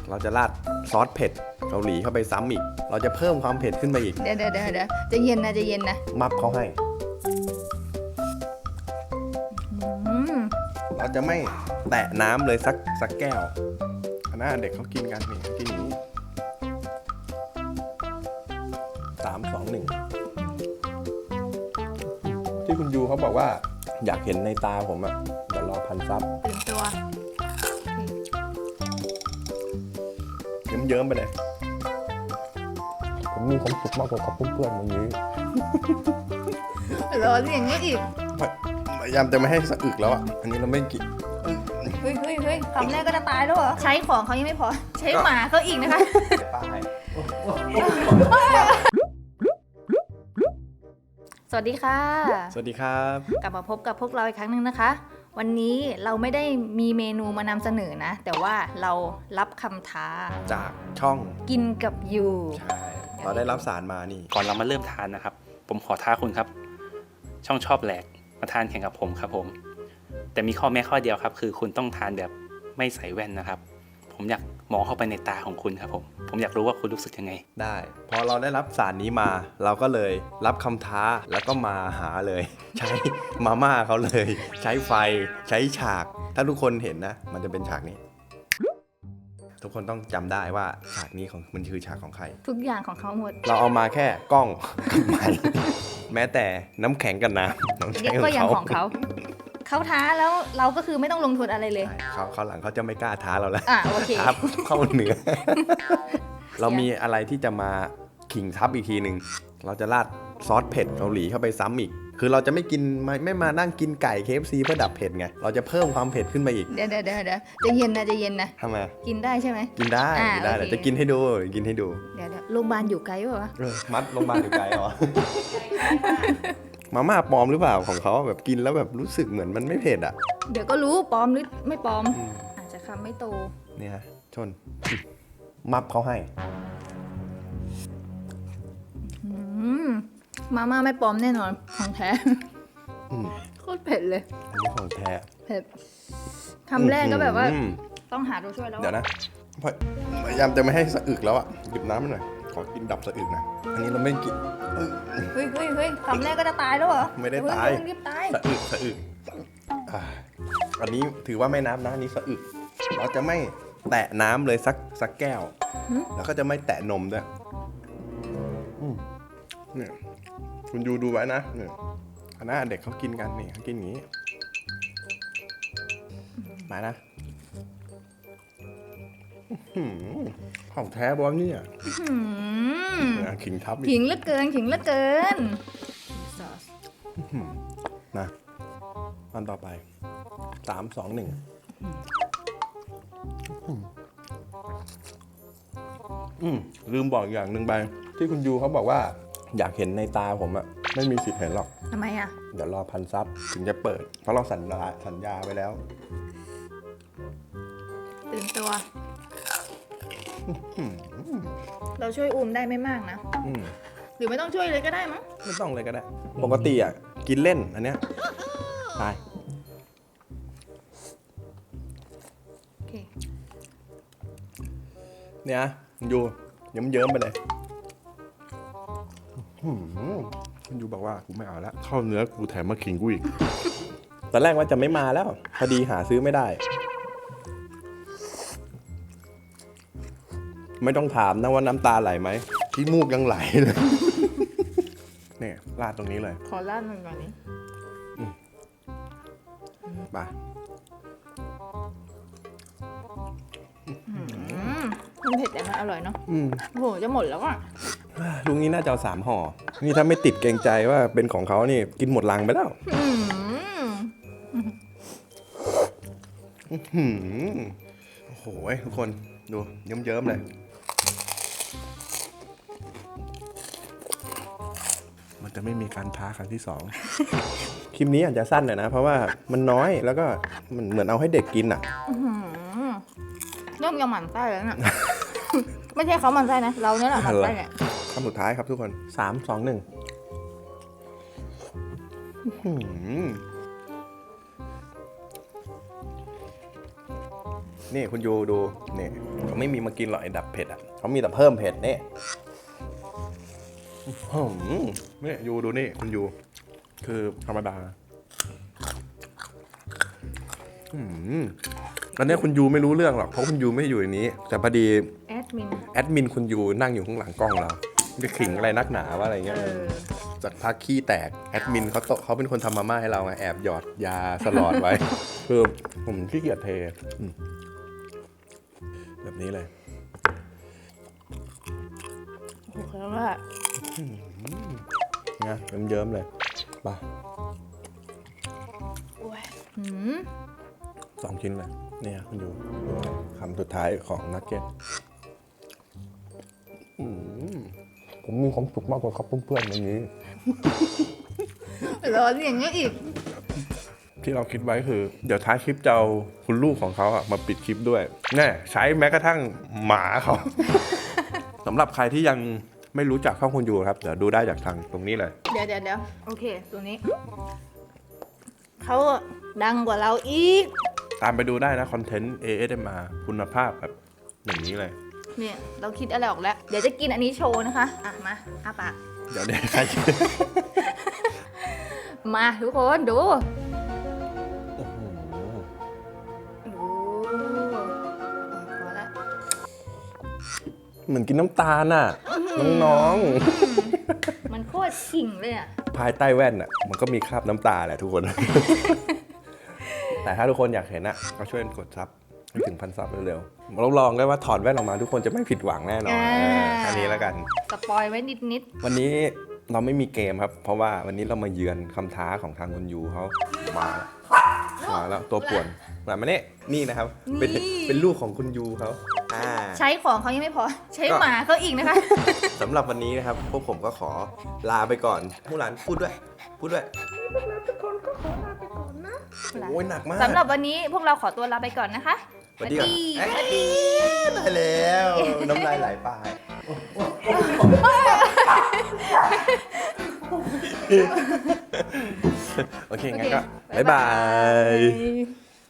เราจะราดซอสเผ็ดเกาหลีเข้าไปซ้ำอีกเราจะเพิ่มความเผ็ดขึ้นไปอีกเดี๋ยวจะเย็นนะมับเขาให้เราจะไม่แตะน้ำเลยสักแก้วนะเด็กเขากินกันนี่กินอย่างนี้3 2 1ที่คุณยูเขาบอกว่าอยากเห็นในตาผมอะเดี๋ยวรอพันซับตื่นตัวเยิ้มๆไปเลยผมมีความสุขมากกว่ากับเพื่อนๆวันนี้รอเสียงนี้อีกพยายามจะไม่ให้สะอึกแล้วอ่ะอันนี้เราไม่กินเฮ้ยคำแรกก็จะตายแล้วเหรอใช้ของเขายังไม่พอใช้หมาเขาอีกนะคะสวัสดีค่ะสวัสดีครับกลับมาพบกับพวกเราอีกครั้งหนึ่งนะคะวันนี้เราไม่ได้มีเมนูมานำเสนอนะแต่ว่าเรารับคำท้าจากช่องกินกับยูใช่เราได้รับสารมานี่ก่อนเรามาเริ่มทานนะครับผมขอท้าคุณครับช่องชอบแหลกมาทานแข่งกับผมครับผมแต่มีข้อแม้ข้อเดียวครับคือคุณต้องทานแบบไม่ใส่แว่นนะครับผมอยากมองเข้าไปในตาของคุณครับผมอยากรู้ว่าคุณรู้สึกยังไงได้พอเราได้รับสารนี้มาเราก็เลยรับคำท้าแล้วก็มาหาเลยใช้มาม่าเขาเลยใช้ไฟใช้ฉากถ้าทุกคนเห็นนะมันจะเป็นฉากนี้ทุกคนต้องจำได้ว่าฉากนี้ของมันคือฉากของใครทุกอย่างของเขาหมดเราเอามาแค่กล้องกับไมค์แม้แต่น้ำแข็งกันน้ำน้องใช้ก็ยังของเขาเขาท้าแล้วเราก็คือไม่ต้องลงทุนอะไรเลยเขาหลังเขาจะไม่กล้าท้าเราแล้วโอเคทับเข้าเหนือเรามีอะไรที่จะมาขิงทับอีกทีหนึ่งเราจะราดซอสเผ็ดเกาหลีเข้าไปซ้ำอีกคือเราจะไม่กินไม่มานั่งกินไก่ KFC เพื่อดับเผ็ดไงเราจะเพิ่มความเผ็ดขึ้นไปอีกเดี๋ยวจะเย็นนะทำไมกินได้ใช่ไหมกินได้เดี๋ยวจะกินให้ดูเดี๋ยวโรงพยาบาลอยู่ไกลป่าวะมัดโรงพยาบาลอยู่ไกลเหรอมาม่าปลอมหรือเปล่าของเขาแบบกินแล้วแบบรู้สึกเหมือนมันไม่เผ็ดอ่ะเดี๋ยวก็รู้ปลอมหรือไม่ปลอมอาจจะคำไม่โตเนี่ยชนมับเขาให้มาม่าไม่ปลอมแน่นอนของแท้โคตรเผ็ดเลยอันนี้ของแท้เผ็ดคำแรกก็แบบว่าต้องหาตัวช่วยแล้วเดี๋ยวนะพยายามจะไม่ให้สะอึกแล้วอ่ะหยิบน้ำมาหน่อยขอกินดับสะอึกนะอันนี้เราไม่กินเฮ้ยคำแรกก็จะตายแล้วเหรอไม่ได้ตายสะอึกอันนี้ถือว่าไม่นับนะอันนี้สะอึกเราจะไม่แตะน้ำเลยสักแก้วแล้วก็จะไม่แตะนมด้วยเนี่ยคุณดูไว้นะเนี่ยคณะเด็กเขากินกันนี่เขากินอย่างนี้มานะของแท้บอลเนี่ยขิงทับขิงเหลือเกินนะอันต่อไป3 2 1ลืมบอกอย่างหนึ่งไปที่คุณยูเขาบอกว่าอยากเห็นในตาผมอะไม่มีสิทธิ์เห็นหรอกทำไมอะเดี๋ยวรอพันซับถึงจะเปิดเพราะเราสัญญาไว้แล้วตื่นตัวเราช่วยอูมได้ไม่มากนะหรือไม่ต้องช่วยเลยก็ได้มั้งไม่ต้องเลยก็ได้ปกติอ่ะกินเล่นอันเนี้ยไปโอเคเนี่ยยูเยิ้มไปเลยคุณยูบอกว่ากูไม่เอาแล้วเข้าเนื้อกูแถมมาขิงกูอีกตอนแรกว่าจะไม่มาแล้วพอดีหาซื้อไม่ได้ไม่ต้องถามนะว่าน้ำตาไหลไหมขี้มูกยังไหลเลยเนี่ยราดตรงนี้เลยขอราดมันก่อนนี้ไปมันเผ็ดแต่มันอร่อยเนาะโหจะหมดแล้วอ่ะลุงนี้น่าจะเอา3 ห่อนี่ถ้าไม่ติดเกรงใจว่าเป็นของเขานี่กินหมดลังไปแล้วโอ้โหทุกคนดูเยิ้มๆเลยมันจะไม่มีการท้าครั้งที่ 2คลิปนี้อาจจะสั้นหน่อยนะเพราะว่ามันน้อยแล้วก็มันเหมือนเอาให้เด็กกินอ่ะเริ่มจะหมั่นไส้แล้วน่ะไม่ใช่เขาหมั่นไส้นะเราเนี่ยแหละหมั่นไส้เนี่ยคำสุดท้ายครับทุกคน3 2 1 นี่คุณยูดูนี่เขาไม่มีมากินหรอกไอ้ดับเผ็ดอ่ะเขามีแต่เพิ่มเผ็ดนี่นี่ยูดูนี่คุณยูคือธรรมดาอันนี้คุณยูไม่รู้เรื่องหรอกเพราะคุณยูไม่อยู่ในนี้แต่พอดีแอดมินคุณยูนั่งอยู่ข้างหลังกล้องเราจะขิงอะไรนักหนาว่าอะไรเงี้ยจากพักขี้แตกแอดมินเขาเป็นคนทำมาม่าให้เราไงแอบหยอดยาสลอดไว้ คือผมขี้เกียจเทแบบนี้เลยโอเคแล้วแหละไงเยิ้มๆเลยไป2 ชิ้นเลยเนี่ยคุณยูคำสุดท้ายของนักเก็ตผมมีความสุขมากกว่าครับเพื่อนๆวันนี้ร้อนอย่างเงี้ยอีกที่เราคิดไว้คือเดี๋ยวท้ายคลิปจะเอาคุณลูกของเขาอะมาปิดคลิปด้วยแน่ใช้แม้กระทั่งหมาเขา สำหรับใครที่ยังไม่รู้จักช่องคุณยูครับเดี๋ยวดูได้จากทางตรงนี้เลยเดี๋ยวโอเคตัวนี้เขาดังกว่าเราอีกตามไปดูได้นะคอนเทนต์ ASMR คุณภาพแบบอย่างนี้เลยเนี่ยเราคิดอะไรออกแล้วเดี๋ยวจะกินอันนี้โชว์นะคะอ่ะมาอ้าปากเดี๋ยวใครมาทุกคนดูพอแล้วเหมือนกินน้ำตาลน่ะน้องๆมันโคตรขิงเลยอ่ะภายใต้แว่นอ่ะมันก็มีคราบน้ำตาแหละทุกคน แต่ถ้าทุกคนอยากเห็นอ่ะก็ช่วยกดซับให้ถึง1,000 ซับเร็วๆเราลองได้ว่าถอดแว่นออกมาทุกคนจะไม่ผิดหวังแน่นอนแค่นี้แล้วกันสปอยไว้นิดวันนี้เราไม่มีเกมครับเพราะว่าวันนี้เรามาเยือนคำท้าของทางคุณยูเขามาแล้วตัวป่วนมานี่นะครับเป็นลูกของคุณยูเขาใช้ของเขายังไม่พอใช้หมาเขาอีกนะคะสำหรับวันนี้นะครับพวกผมก็ขอลาไปก่อนผู้หลานพูดด้วยทุกคนก็ขอลาไปก่อนนะโอ้ยหนักมากสำหรับวันนี้พวกเราขอตัวลาไปก่อนนะคะสวัสดีได้แล้วน้ำลายไหลไปโอเคงั้นก็บ๊ายบาย